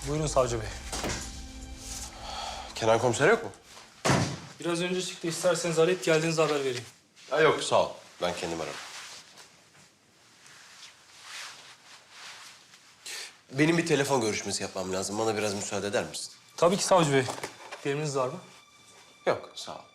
Buyurun savcı bey. Kenan komiser yok mu? Biraz önce çıktı. İsterseniz arayıp geldiğinizde haber vereyim. Ha, yok sağ ol. Ben kendim ararım. Benim bir telefon görüşmesi yapmam lazım. Bana biraz müsaade eder misin? Tabii ki savcı bey. Bir emriniz var mı? Yok sağ ol.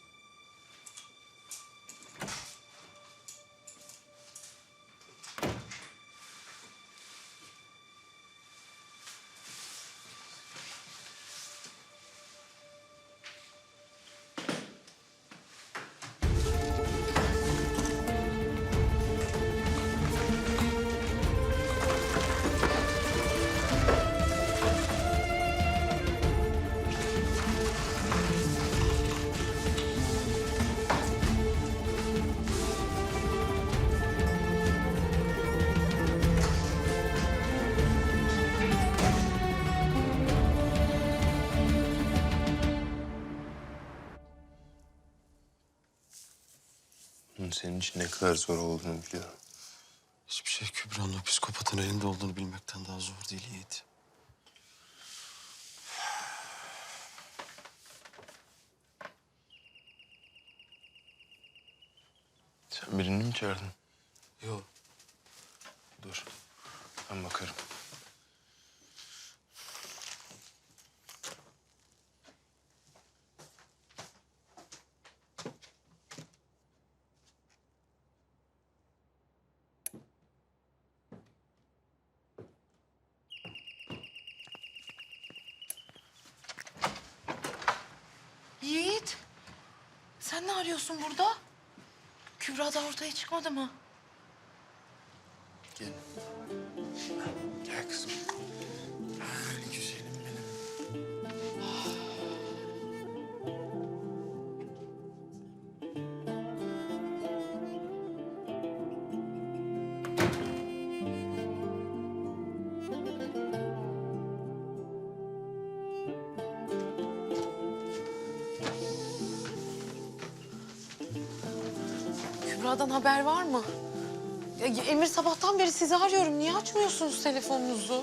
Bunun senin için ne kadar zor olduğunu biliyorum. Hiçbir şey Kübra'nın o psikopatın elinde olduğunu bilmekten daha zor değil Yiğit. Sen birini mi çağırdın? Yok. Dur. Ben bakarım. Yiğit, sen ne arıyorsun burada? Kübra da ortaya çıkmadı mı? Gel. Gel kızım. Güzelim benim. Kübra'dan haber var mı? Ya, Emir sabahtan beri sizi arıyorum. Niye açmıyorsunuz telefonunuzu?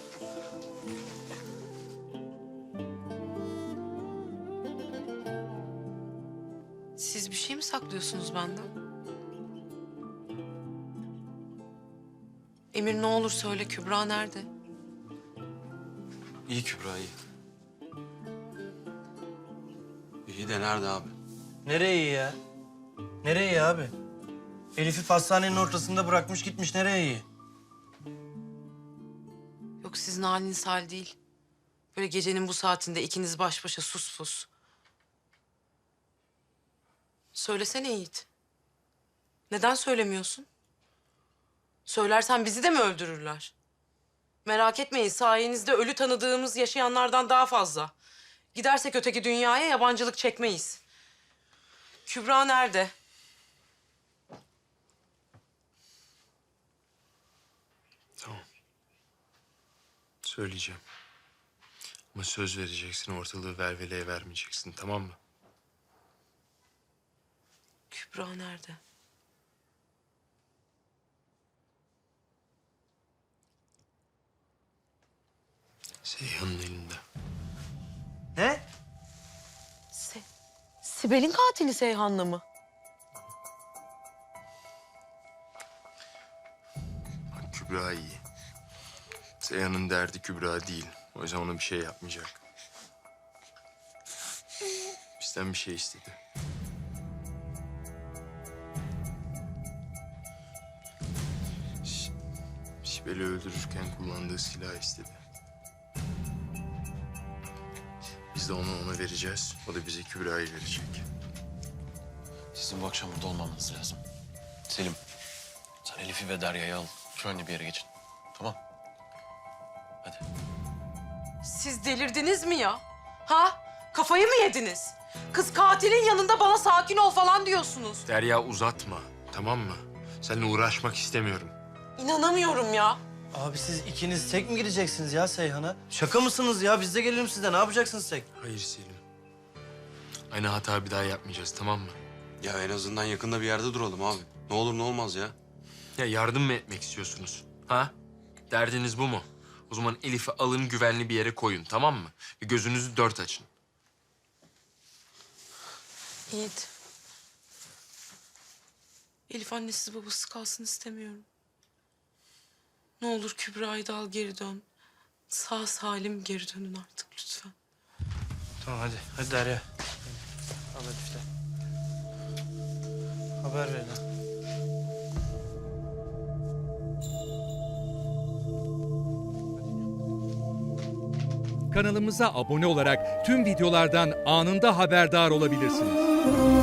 Siz bir şey mi saklıyorsunuz benden? Emir ne olur söyle, Kübra nerede? İyi Kübra, iyi. İyi de nerede abi? Nereye iyi ya? Nereye iyi abi? Elif'i pastanenin ortasında bırakmış gitmiş. Nereye iyi? Yok, sizin haliniz hal değil. Böyle gecenin bu saatinde ikiniz baş başa sus pus. Söylesene Yiğit. Neden söylemiyorsun? Söylersen bizi de mi öldürürler? Merak etmeyin, sayenizde ölü tanıdığımız yaşayanlardan daha fazla. Gidersek öteki dünyaya yabancılık çekmeyiz. Kübra nerede? Tamam. Söyleyeceğim. Ama söz vereceksin, ortalığı velveleye vermeyeceksin, tamam mı? Kübra nerede? Seyhan'ın elinde. Ne? Sibel'in katili Seyhan'la mı? Bak Kübra iyi. Seyhan'ın derdi Kübra değil. O yüzden ona bir şey yapmayacak. Bizden bir şey istedi. Sibel'i öldürürken kullandığı silah istedi. Biz de onu ona vereceğiz. O da bize Kübra'yı verecek. Sizin bu akşam burada olmamanız lazım. Selim, sen Elif'i ve Derya'yı al. Güvenli bir yere geçin. Tamam. Hadi. Siz delirdiniz mi ya? Ha? Kafayı mı yediniz? Kız katilin yanında bana sakin ol falan diyorsunuz. Derya uzatma, tamam mı? Seninle uğraşmak istemiyorum. İnanamıyorum ya. Abi siz ikiniz tek mi gideceksiniz ya Seyhan'a? Şaka mısınız ya? Biz de gelelim size. Ne yapacaksınız tek? Hayır Selim. Aynı hata bir daha yapmayacağız, tamam mı? Ya en azından yakında bir yerde duralım abi. Ne olur ne olmaz ya. Ya yardım mı etmek istiyorsunuz? Ha? Derdiniz bu mu? O zaman Elif'i alın güvenli bir yere koyun, tamam mı? Ve gözünüzü dört açın. Yiğit. Elif annesiz babasız kalsın istemiyorum. Ne olur Kübra'yı da al geri dön. Sağ salim geri dönün artık lütfen. Tamam hadi. Hadi Derya. Al Elif'ten. Haber ver lan. Kanalımıza abone olarak tüm videolardan anında haberdar olabilirsiniz.